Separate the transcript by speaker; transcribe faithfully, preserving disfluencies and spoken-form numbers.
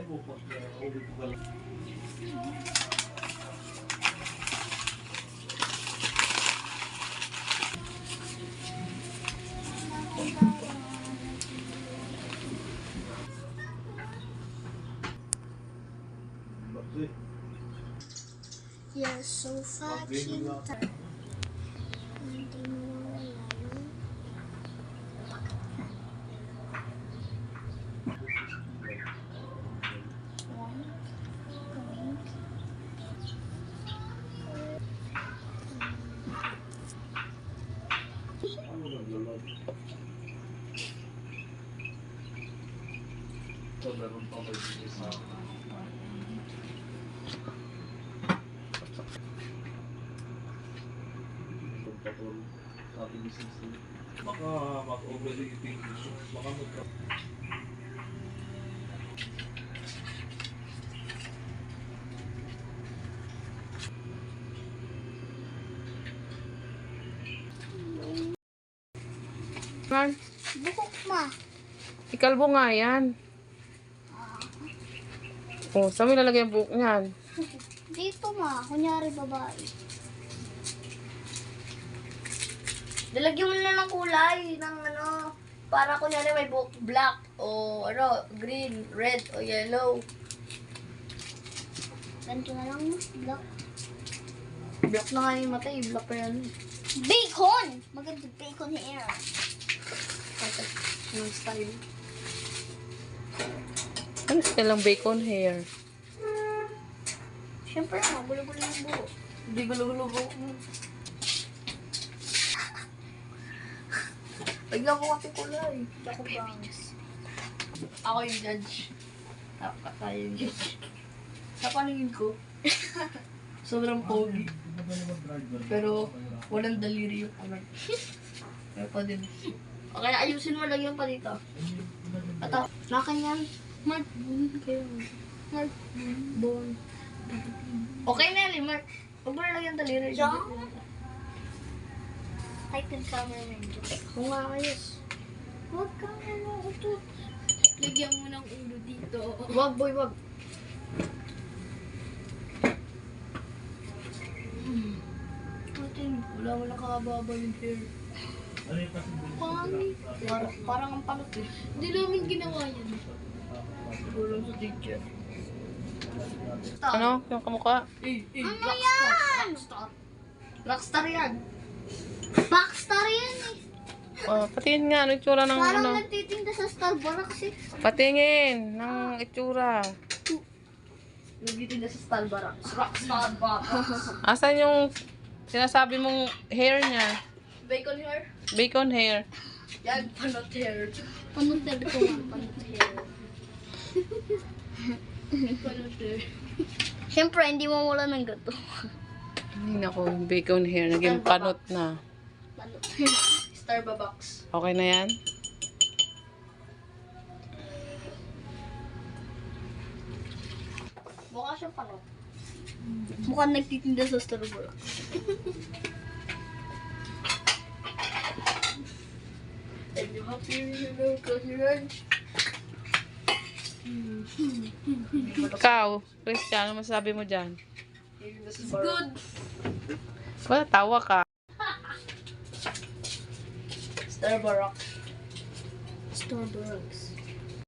Speaker 1: You're so fucking tired. Hindi mo wala yun.
Speaker 2: So, meron pa ba yung isa? Sa ating business, baka mag-overeating, baka magka...
Speaker 3: Man,
Speaker 1: Bukok ma.
Speaker 3: ikalbo nga yan. Oh, saan mo ilalagay ang buhok niyan?
Speaker 1: Dito ma. Kunyari babae.
Speaker 4: Dalagyan mo na ng kulay ng ano, para kunyari may buhok black o ano, green, red o yellow.
Speaker 1: Ganito na lang mo. Black.
Speaker 4: Black na nga yung mata, eh. Black pa yan.
Speaker 1: Bacon! Maganda bacon hair.
Speaker 4: Ito, yung style.
Speaker 3: Ano style ng bacon hair?
Speaker 4: Siyempre, magulo-gulo yung buhok. Hindi gulo-gulo buhok mo. Bigla mo kasi kulay. Ako bang. Ako yung judge. Ako tayo yung judge. Sa paningin ko, sobrang pogi. Pero walang daliri yung kamay. Kaya pa din. O kaya ayusin mo lang yung pa dito. Ito, nakanyan. Mark, bun kayo. Mark, bun. Okay na yan, Mark. Huwag mo na lang yung daliri.
Speaker 1: Diyan? Type yung camera na yun.
Speaker 4: Kung nga ayos.
Speaker 1: Huwag kang ano ito.
Speaker 4: Lagyan mo ng ulo dito. Wag, boy, wag. Atin, wala mo nakababa yung hair. Pangit. Parang, parang ang panot eh.
Speaker 1: Hindi namin ginawa yan.
Speaker 4: Siguro sa teacher.
Speaker 3: Ano? Yung kamukha?
Speaker 4: Eh, eh,
Speaker 1: Ano
Speaker 4: rockstar.
Speaker 1: yan?
Speaker 4: Rockstar. Rockstar yan.
Speaker 1: Backstar yan eh.
Speaker 3: Oh, patingin nga, ano itsura ng
Speaker 1: Parang
Speaker 3: ano?
Speaker 1: nagtitinda sa Starbucks eh.
Speaker 3: Patingin ng itsura.
Speaker 4: Nagtitinda sa Starbucks. Rockstar Starbucks.
Speaker 3: Asan yung sinasabi mong hair niya?
Speaker 4: Bacon hair.
Speaker 3: Bacon hair.
Speaker 4: Yan, panot hair.
Speaker 1: Panunod ko nga.
Speaker 4: Panot hair. Panot hair.
Speaker 1: Siyempre, hindi mo wala ng gato.
Speaker 3: Hindi na ko, bacon hair. Naging panot na.
Speaker 4: Panot. Starbucks.
Speaker 3: Okay na yan?
Speaker 4: Mukha siyang panot.
Speaker 1: Mukhang nagtitinda sa Starbucks.
Speaker 4: And you happy you know close your eyes.
Speaker 3: Ikaw, Christian, ano masasabi mo dyan?
Speaker 4: It's good.
Speaker 3: Wala, tawa ka.
Speaker 4: Starbucks.
Speaker 1: Starbucks.